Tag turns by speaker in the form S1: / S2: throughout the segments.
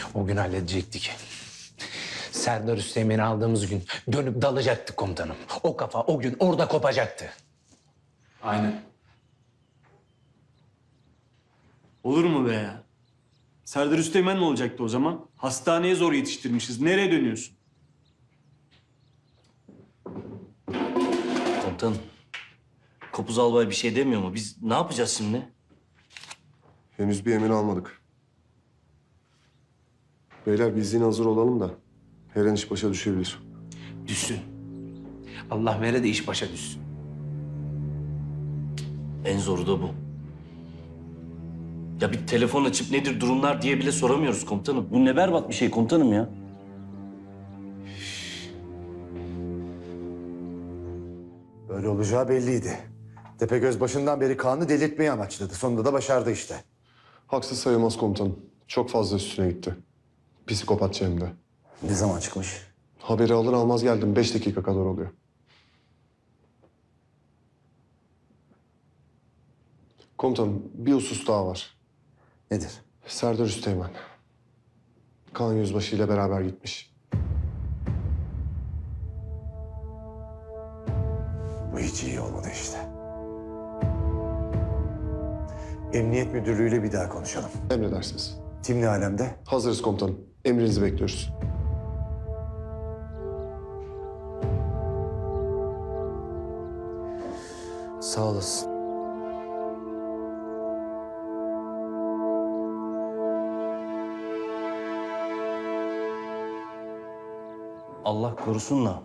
S1: O gün halledecektik. Serdar Üsteğmen'i aldığımız gün dönüp dalacaktık komutanım. O kafa o gün orada kopacaktı.
S2: Aynen.
S3: Olur mu be ya? Serdar Üsteğmen ne olacaktı o zaman? Hastaneye zor yetiştirmişiz. Nereye dönüyorsun?
S4: Komutanım, Kopuz albay bir şey demiyor mu? Biz ne yapacağız şimdi?
S5: Henüz bir emir almadık. Beyler biz yine hazır olalım da her an iş başa düşebilir.
S1: Düşsün. Allah vere de iş başa düşsün.
S4: En zoru da bu. Ya bir telefon açıp nedir durumlar diye bile soramıyoruz komutanım. Bu ne berbat bir şey komutanım ya.
S6: Böyle olacağı belliydi. Tepegöz başından beri Kaan'ı delirtmeyi amaçladı. Sonunda da başardı işte.
S5: Haksız sayılmaz komutanım. Çok fazla üstüne gitti. Psikopatça hem de.
S6: Ne zaman çıkmış?
S5: Haberi alır almaz geldim. 5 dakika kadar oluyor. Komutanım bir husus daha var.
S6: Nedir?
S5: Serdar Üsteğmen. Kaan Yüzbaşı ile beraber gitmiş.
S6: Bu hiç iyi olmadı işte. Emniyet Müdürlüğü'yle bir daha konuşalım.
S5: Emredersiniz.
S6: Tim ne alemde?
S5: Hazırız komutanım. Emrinizi bekliyoruz.
S6: Sağ olasın.
S4: Allah korusun da.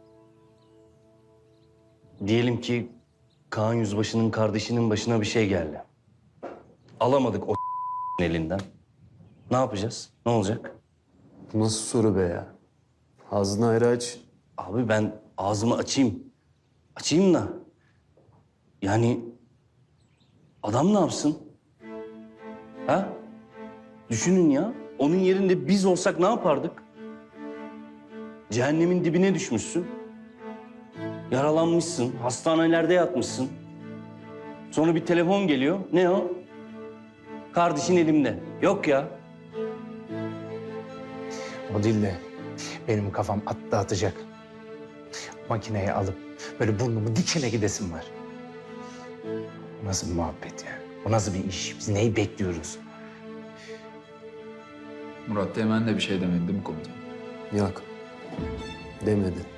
S4: Diyelim ki Kaan Yüzbaşı'nın kardeşinin başına bir şey geldi. Alamadık o elinden. Ne yapacağız? Ne olacak?
S2: Bu nasıl soru be ya? Ağzını ayrı aç.
S4: Abi ben ağzımı açayım. Açayım da. Yani adam ne yapsın? Ha? Düşünün ya. Onun yerinde biz olsak ne yapardık? Cehennemin dibine düşmüşsün. Yaralanmışsın, hastanelerde yatmışsın. Sonra bir telefon geliyor. Ne o? Kardeşin elimde. Yok ya.
S1: O değil de benim kafam attı atacak. Makineyi alıp böyle burnumu dikine gidesim var. Bu nasıl bir muhabbet ya? Bu nasıl bir iş? Biz neyi bekliyoruz?
S2: Murat Teğmen de bir şey demedi değil mi komutanım?
S7: Yok. Demedi.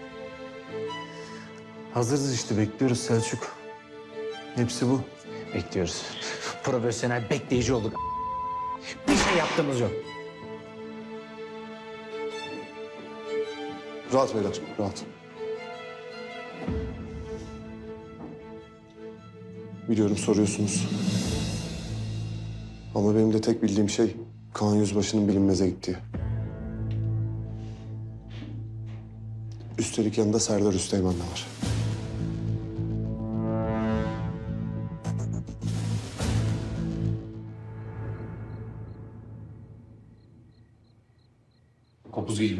S7: Hazırız işte, bekliyoruz Selçuk. Hepsi bu.
S1: Bekliyoruz. Profesyonel bekleyici olduk. Bir şey yaptığımız yok.
S5: Rahat beyler, rahat. Biliyorum soruyorsunuz. Ama benim de tek bildiğim şey Kaan Yüzbaşı'nın bilinmeze gittiği. Üstelik yanında Serdar Üsteğmen de var.
S2: Kopuz gibi.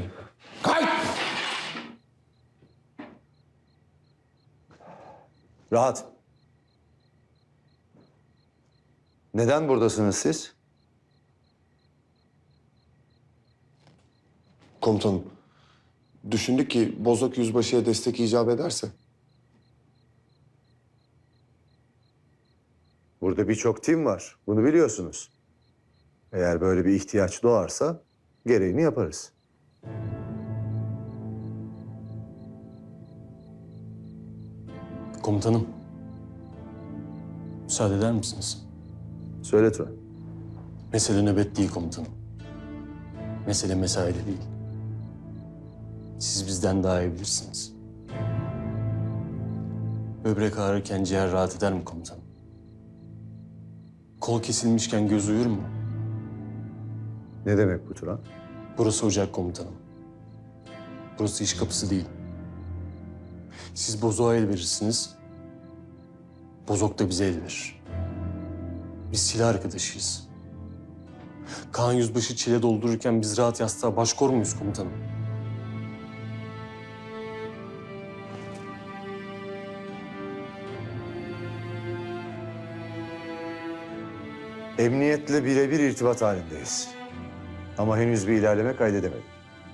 S6: Rahat. Neden buradasınız siz?
S5: Komutanım, düşündük ki Bozok Yüzbaşı'ya destek icap ederse
S6: Burada birçok tim var. Bunu biliyorsunuz. Eğer böyle bir ihtiyaç doğarsa gereğini yaparız.
S7: Komutanım. Müsaade eder misiniz?
S6: Söyle Turan.
S7: Mesele nöbet değil komutanım. Mesele mesaide değil. Siz bizden daha iyi bilirsiniz. Böbrek ağrırken ciğer rahat eder mi komutanım? Kol kesilmişken göz uyur mu?
S6: Ne demek bu Turan?
S7: Burası ocak komutanım. Burası iş kapısı değil. Siz bozuğa el verirsiniz. Bozok da bize el verir. Biz silah arkadaşıyız. Kaan Yüzbaşı çile doldururken biz rahat yastığa baş kor muyuz komutanım?
S6: Emniyetle birebir irtibat halindeyiz. Ama henüz bir ilerleme kaydedemedim.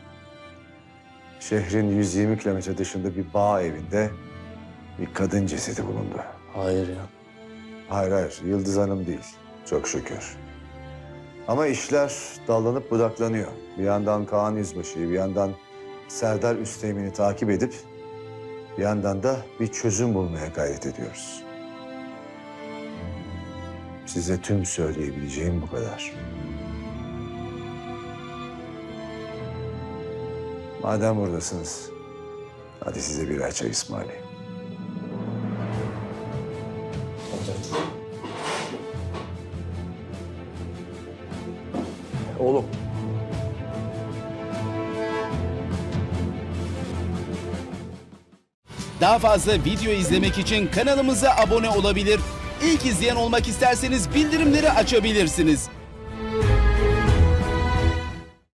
S6: Şehrin 120 kilometre dışında bir bağ evinde bir kadın cesedi bulundu.
S2: Hayır ya.
S6: Hayır hayır, Yıldız Hanım değil. Çok şükür. Ama işler dallanıp budaklanıyor. Bir yandan Kaan Yüzbaşı'yı, bir yandan Serdar Üsteğmen'i takip edip... ...bir yandan da bir çözüm bulmaya gayret ediyoruz. Size tüm söyleyebileceğim bu kadar. Madem buradasınız, hadi size birer çay ısmarlayayım.
S2: Oğlum.
S8: Daha fazla video izlemek için kanalımıza abone olabilir. İlk izleyen olmak isterseniz bildirimleri açabilirsiniz.